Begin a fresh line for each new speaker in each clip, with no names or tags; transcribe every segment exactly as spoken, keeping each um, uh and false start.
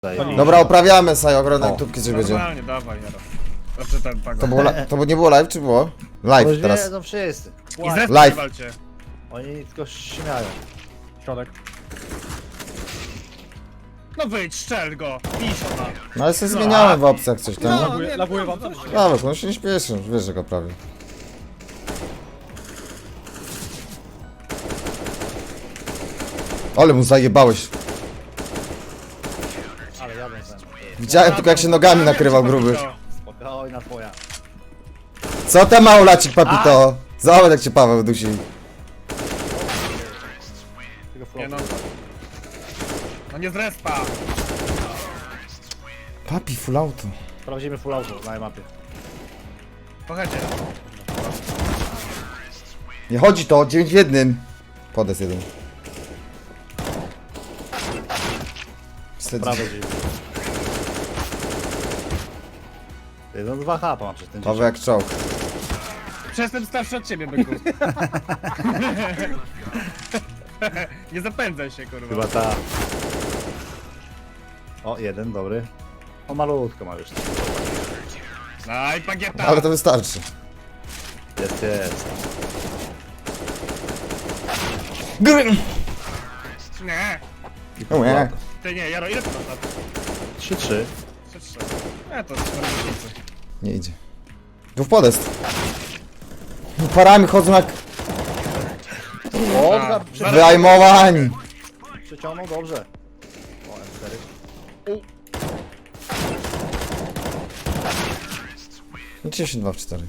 Dobra, oprawiamy sobie ogronek tubki, czy będzie.
Normalnie, dawaj, Jaro. Znaczy ten pago.
To było, li- to nie było live, czy było? Live teraz.
Wiedzą wszyscy.
I zresztą
Live.
nie walcie.
Oni tylko śmiają.
Środek.
No wyjdź, strzel go. Piszona.
No ale sobie zmieniałem w opcjach coś tam.
No.
Laguje, laguje wam coś?
Dobra, no się nie śpieszy, wiesz, że go prawie. Ale mu zajebałeś.
Ale jadą ze mną.
Widziałem tylko jak się nogami nakrywał gruby.
Spokojna twoja.
Co tam małolacik, papito? Zobacz jak cię Paweł dusi.
Tylko
Nie no.
flow.
No nie z respa.
Papi, full auto.
Sprawdzimy full auto na mapie.
Pochodźcie.
Nie chodzi to, dziewięć w jednym. Podes jeden. Wstyd.
Prawe drzwi. Ty, no dwa H mam przez ten
Paweł jak czołg.
Przestęp starszy od ciebie, byku. Nie zapędzaj się, kurwa.
Chyba ta. O, jeden, dobry. O, malutko ma już.
No i pagieta.
Ale to wystarczy.
Jest, jest.
Gry.
Nie.
O nie.
Ty nie, Jaro, ile to masz lat?
trzy trzy.
Trzy, trzy. Nie, to cztery miesiące.
Nie idzie. Tu w podest. Parami chodzą jak
O,
A,
za-
zaraz-
wyajmowani.
przyciągnął dobrze. O, M cztery.
dziesięć dwa w cztery.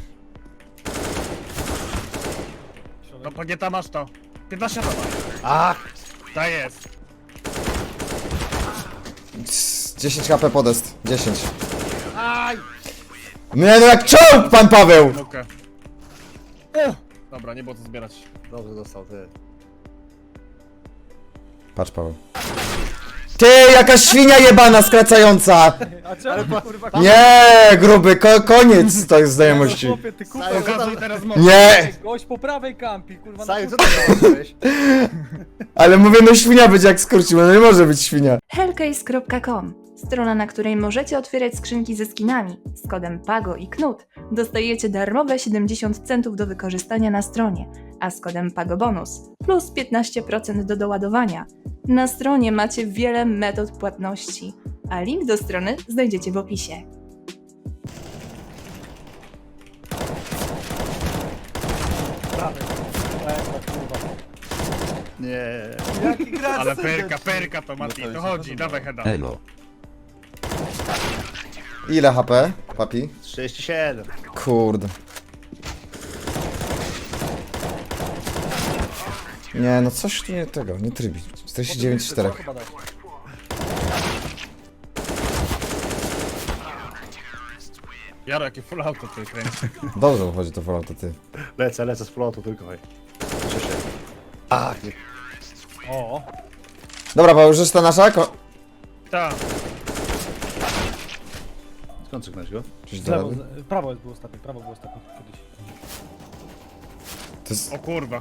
No pagieta masz to. piętnaście to masz.
Ach!
To jest.
dziesięć HP podest. dziesięć.
Aj!
Nie no jak czołg, pan Paweł!
Mukę. Dobra, nie było co zbierać.
Dobrze dostał, ty.
Patrz Paweł. Ty, jaka świnia jebana skracająca!
A czemu kurwa
Nie, gruby, ko koniec to jest znajomości.
chłopie, ty kupę.
Saju, co
Pokazuj
tam?
teraz moc.
Nie!
Gość po prawej kampi, kurwa.
Saju, co ty zrobiłeś?
Ale mówię, no świnia będzie jak skurczył, no nie może być świnia.
hellcase kropka com. Strona, na której możecie otwierać skrzynki ze skinami. Z kodem PAGO i KNUT dostajecie darmowe siedemdziesiąt centów do wykorzystania na stronie, a z kodem PAGO bonus plus piętnaście procent do doładowania. Na stronie macie wiele metod płatności, a link do strony znajdziecie w opisie.
Nie.
Jaki gracz
Ale perka, perka to Mati, to chodzi, dawaj heada.
Elo.
Ile H P, papi?
trzydzieści siedem.
Kurde. Nie, no coś tu nie tego, nie trybi. czterdzieści dziewięć cztery.
Jaro, jakie full auto tutaj kręci.
Dobrze wychodzi to wolno, to ty.
Lecę, lecę z flotu tylko, hej. Cieszę się. Ach, nie.
O,
Dobra, Paweł, już ta nasza? Ko
Tak.
Skąd cyknąć go?
Coś
z
do
lewo,
rady?
z, prawo było ostatnie, prawo było ostatnie kiedyś.
To jest...
O kurwa.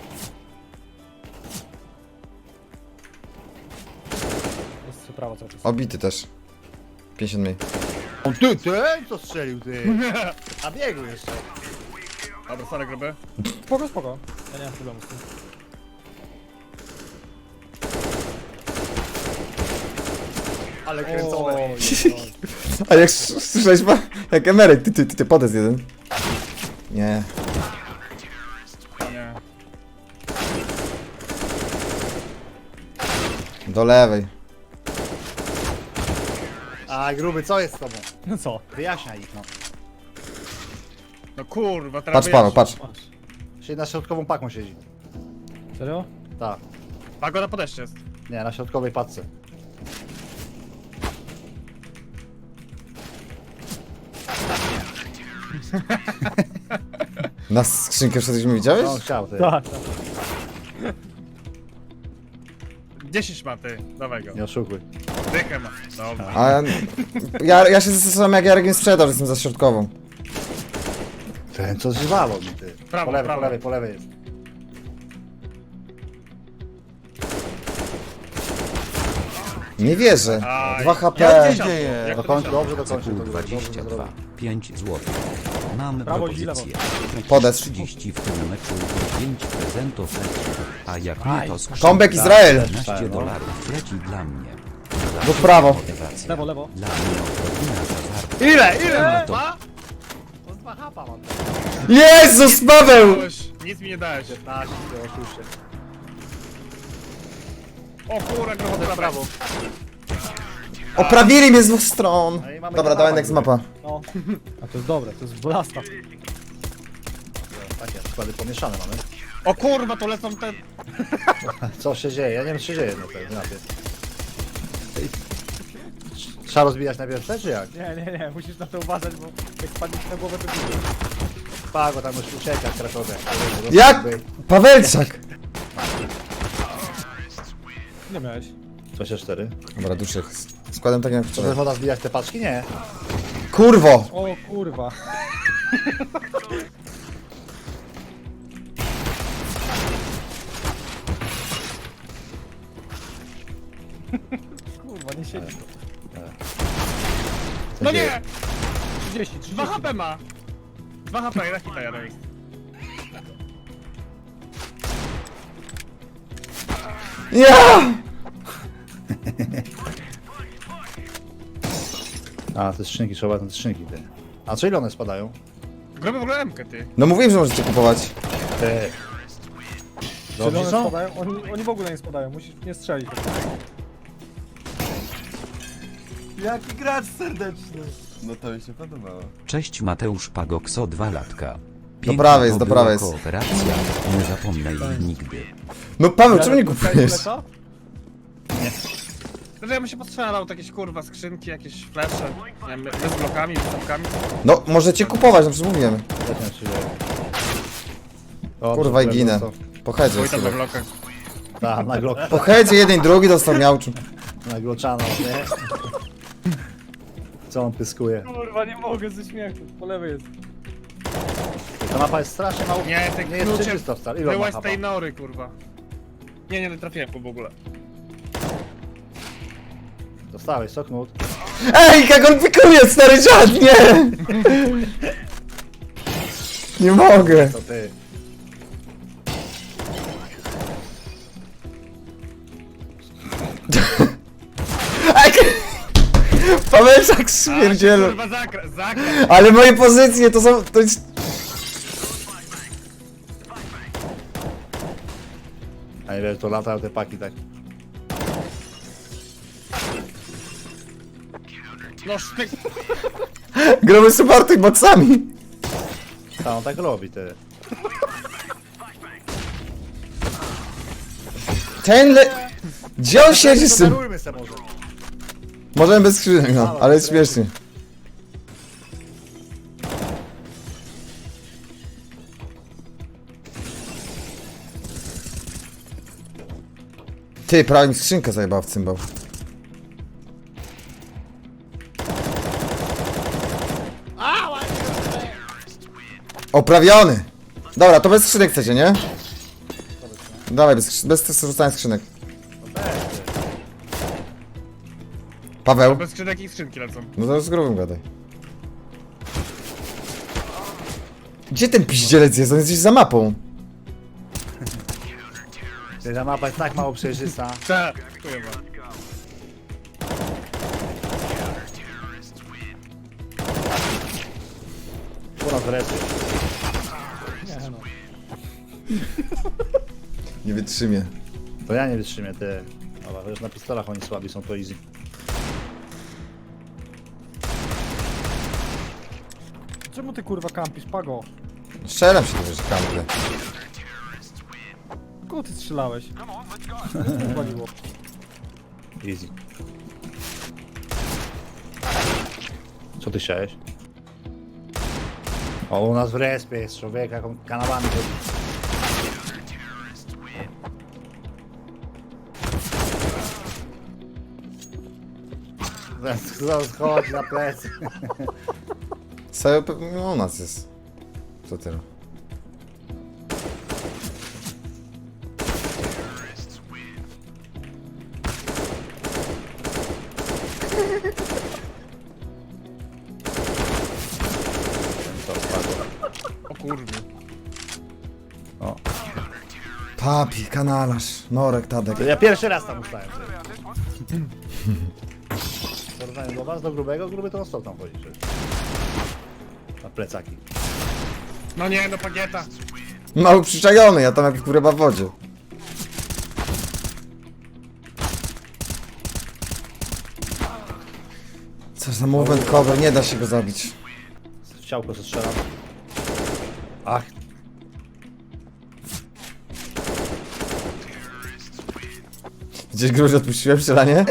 Jest prawo cały czas.
Obity też. pięćdziesiąt mniej.
On ty, ty? Co strzelił, ty? A biegł jeszcze.
Dobra, sorry gruby.
Spoko, spoko. Ja nie mam problemu z tym.
Ale kręcone.
Oj,
A jak s- słyszałeś, pa? Jak emeryt, ty, ty, ty, ty, podest jeden. Nie.
Nie.
Do lewej.
A gruby, co jest z tobą?
no co?
Wyjaśniaj ich, no.
No kurwa, teraz
Patrz Paweł, patrz.
Siedzi na środkową paką siedzi.
Serio?
Tak.
Pago na podejście jest.
Nie, na środkowej paczce.
Na skrzynkę wszedłeś widziałeś?
No, on chciał, ty.
Tak, tak.
dziesięć ma ty, dawaj go.
Nie oszukuj.
Dychę ma. Dobra.
A ja, ja się zastanawiam jak Jarek nie sprzedał, że jestem za środkową.
Ten co zżywało mi, ty.
Prawo,
po lewej,
prawo.
po lewej, po lewej jest.
Nie wierzę.
Aj.
dwa
Jak
H P.
to się dzieje?
Do
Jak to
końca,
się-
dobrze do końca.
Cykl dwadzieścia dwa, pięć złotych. Mam
Prawo i lewo.
propozycję.
Podest.
trzydzieści w tym meczu pięć prezentów leci. A jak nie to skrzynka
Comeback Izrael.
piętnaście dolarów leci dla mnie.
Do prawo.
Motywacja.
Lewo, lewo.
Dla mnie odrobina hazardu.
Ile? Ile?
To-
Dwa?
To dwa hapa mam.
Jezus, Paweł!
Nic mi nie dałeś.
piętnaście, oszuście.
O kurwa, trochę prawo. prawo.
Oprawili mnie z dwóch stron.
No i mamy
Dobra,
kanał
dawaj
na
next
górę.
mapa.
No. A to jest dobre, to jest blasta.
Takie składy pomieszane mamy.
O kurwa, to lecą te...
Co się dzieje? Ja nie wiem, co się dzieje na tej mapie. Trzeba rozbijać najpierw te, czy jak?
Nie, nie, nie, musisz na to uważać, bo jak spadniesz na głowę, to będzie.
Pago tam już ucieka krakowe.
Jak? Pawelczak!
Nie miałeś.
dwadzieścia cztery.
Dobra, duszek. Składam tak jak
Czy
wczoraj.
woda zbijać te paczki? Nie.
Kurwo!
O kurwa. Kurwa, nie siedzi.
Co
No
dzieje?
nie!
trzydzieści, trzydzieści.
dwa H P ma. dwa H P, jeden hita jeden jest.
Ja!
A, te skrzynki, trzeba te skrzynki, ty. A co ile one spadają?
Grobię w ogóle M-kę, ty.
No mówiłem, że możecie kupować.
Te.
Czy
Dobrze
one
są?
spadają? Oni, oni w ogóle nie spadają, musisz nie strzelić.
Jaki gracz serdeczny. No to mi się podobało.
Cześć Mateusz Pagokso, dwa latka.
Do prawej jest,
to
do prawej
była
jest.
kooperacja, nie zapomnę jej nigdy.
No Paweł, czemu nie kupujesz?
Lecza?
Znaczy ja bym się postrzelał, to jakieś kurwa skrzynki, jakieś flesze. Nie wiem, my z blokami, z blokami.
No, możecie kupować, no przecież mówiłem.
Co tam się dzieje? O,
Kurwa i
super,
ginę.
dostał.
Po headzie.
Oj tam na
chyba.
blokach.
Tak, na glok,
Po headzie jeden i drugi dostał miałczu.
na gloczano, nie? Co on pyskuje?
Kurwa, nie mogę ze śmiechu. Po lewej jest.
Ta mapa jest strasznie mało...
Nie, te
Nie jest
klucze
czysto wcale. Ile on ma
byłeś z
chapa?
tej nory, kurwa. Nie, nie, nie trafiłem po w ogóle.
Dostałeś, soknut.
Ej, jak on pikuje, stary dziad, nie! Nie mogę.
To ty.
Ej, Pawełczak śmierdzielu.
Kurwa, zakra, zakra.
Ale moje pozycje to są... To jest...
A ile to latają te paki tak.
No sztyk.
Gromy supporty boxami.
A on tak robi, ty.
Ten le... Gdzie on siedzi z tym?
Podarujmy se może.
Możemy bez skrzynek, no, ale jest śmiesznie. Ty, prawie mi skrzynkę zajebała w cymbał. Oprawiony! Dobra, to bez skrzynek chcecie, nie? Dawaj, bez, skrzy- bez rzucania skrzynek. Paweł?
Bez skrzynek i skrzynki lecą.
No to z grubym gadaj. Gdzie ten piździelec jest? On jest gdzieś za mapą.
Ty, ta mapa jest tak mało przejrzysta.
Cze. Kurwa.
U nas wreszcie.
Nie no.
Nie wytrzymie.
To ja nie wytrzymię, ty. Dobra, wiesz, na pistolach oni słabi są, to easy.
Czemu ty kurwa kampisz, Pago?
Strzelam się do kampy.
Kogo ty strzelałeś? Waliło.
Easy. Co ty chciałeś? O, u nas w respie jest człowiek, jak on kanałami chodzi. Zaraz zaraz chodzi na plecy.
Cały no, u nas jest. Co tyle?
kurwy.
Papi, kanalarz, Norek, Tadek.
To ja pierwszy raz tam ustałem. W porównaniu do was, do grubego, gruby to on stał tam chodzi. przecież. Na plecaki.
No nie, no Pagieta.
Mały przyczajony, ja tam jak kurwa w wodzie. Co za movement cover, nie da się go zabić.
W ciałko co strzelam. Ach,
Gdzieś gruź odpuściłem strzelanie?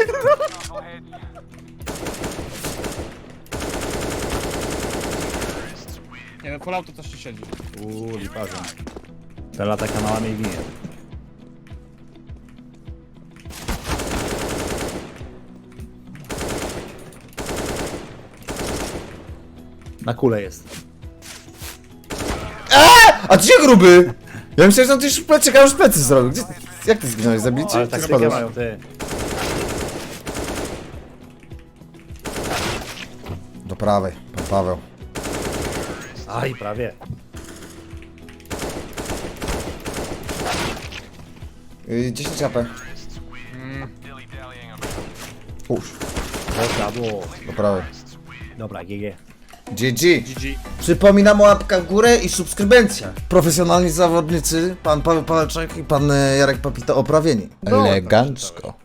Nie no, Fallout to też ci siedzi.
uuu, liparzem. Ten lata kanałami i ginie. Na kule jest.
A gdzie gruby? Ja myślałem, że on już plecy, już plecy zrobił. Gdzie, jak ty zginąłeś? Zabicie?
Ale
Ty
tak nie
spadłeś?
mają, ty.
Do prawej, pan Paweł.
Aj, prawie.
Yy, dziesięć A P. Uż,
Posiadło.
do prawej.
Dobra, G G.
G G.
G G.
Przypominam o łapka w górę i subskrybencja. Profesjonalni zawodnicy, pan Paweł Pawelczak i pan e, Jarek Papito oprawieni. Elegancko.